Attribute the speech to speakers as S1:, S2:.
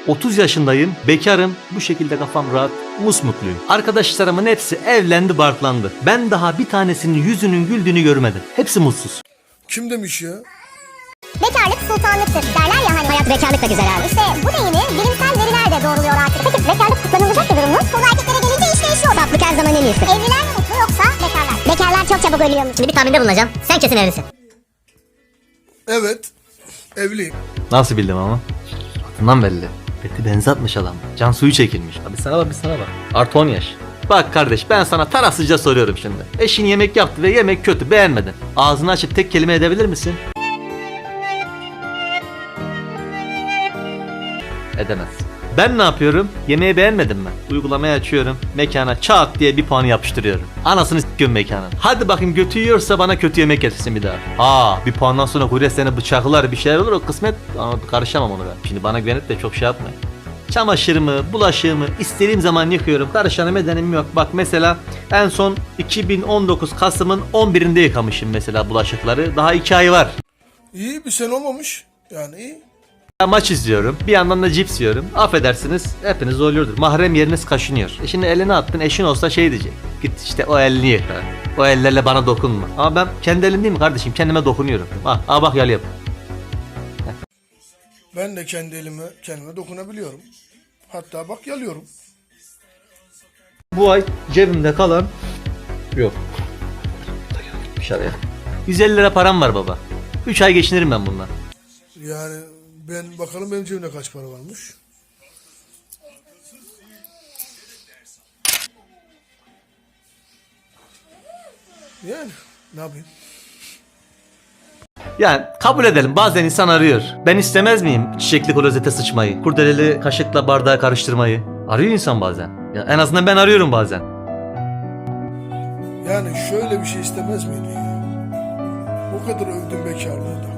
S1: 30 yaşındayım, bekarım, bu şekilde kafam rahat, musmutluyum. Arkadaşlarımın hepsi evlendi, barklandı. Ben daha bir tanesinin yüzünün güldüğünü görmedim. Hepsi mutsuz.
S2: Kim demiş ya?
S3: Bekarlık sultanlıktır derler ya hani. Hayat bekarlık da güzel abi. İşte bu deyimi bilimsel veriler de doğruluyor artık. Peki bekarlık kutlanılacak bir durum mu? Konu erkeklere gelince iş değişiyor. Tatlık her zaman en iyisi. Evliler mi mutlu yoksa bekarlar? Bekarlar çok çabuk ölüyormuş. Şimdi bir tahminde bulunacağım. Sen kesin evlisin.
S2: Evet. Evliyim.
S1: Nasıl bildim ama? Adından belli. Beti benzi atmış adam. Can suyu çekilmiş. Abi sana bak, bir sana bak. Artı 10 yaş. Bak kardeş, ben sana tarafsızca soruyorum şimdi. Eşin yemek yaptı ve yemek kötü, beğenmedin. Ağzını açıp tek kelime edebilir misin? Edemez. Ben ne yapıyorum? Yemeği beğenmedim mi? Uygulamayı açıyorum. Mekana çat diye bir puanı yapıştırıyorum. Anasını s***yorum mekanın. Hadi bakayım götü yiyorsa bana kötü yemek getirsin bir daha. Bir puandan sonra kurye seni bıçaklar, bir şeyler olur, o kısmet, ama karışamam onu ben. Şimdi bana güvenip de çok şey yapmayın. Çamaşırımı, bulaşığımı istediğim zaman yıkıyorum. Karışanım edenim yok. Bak mesela en son 2019 Kasım'ın 11'inde yıkamışım mesela bulaşıkları. Daha 2 ay var.
S2: İyi, bir sene olmamış. Yani iyi.
S1: Maç izliyorum. Bir yandan da cips yiyorum. Affedersiniz, hepiniz zorluyordur. Mahrem yeriniz kaşınıyor. Şimdi elini attın, eşin olsa şey diyecek. Git işte o elini yıka. O ellerle bana dokunma. Ama ben kendi elim değil mi kardeşim? Kendime dokunuyorum. Bak yalayım.
S2: Ben de kendi kendime dokunabiliyorum. Hatta bak yalıyorum.
S1: Bu ay cebimde kalan yok. Dışarıya. 150 lira param var baba. 3 ay geçinirim ben bundan.
S2: Yani ben bakalım benim cebimde kaç para varmış. Yani ne yapayım?
S1: Yani kabul edelim, bazen insan arıyor. Ben istemez miyim çiçekli klozete sıçmayı? Kurdeleli kaşıkla bardağı karıştırmayı? Arıyor insan bazen. Ya en azından ben arıyorum bazen.
S2: Yani şöyle bir şey istemez miydin ya? O kadar övdüm bekarlığı da.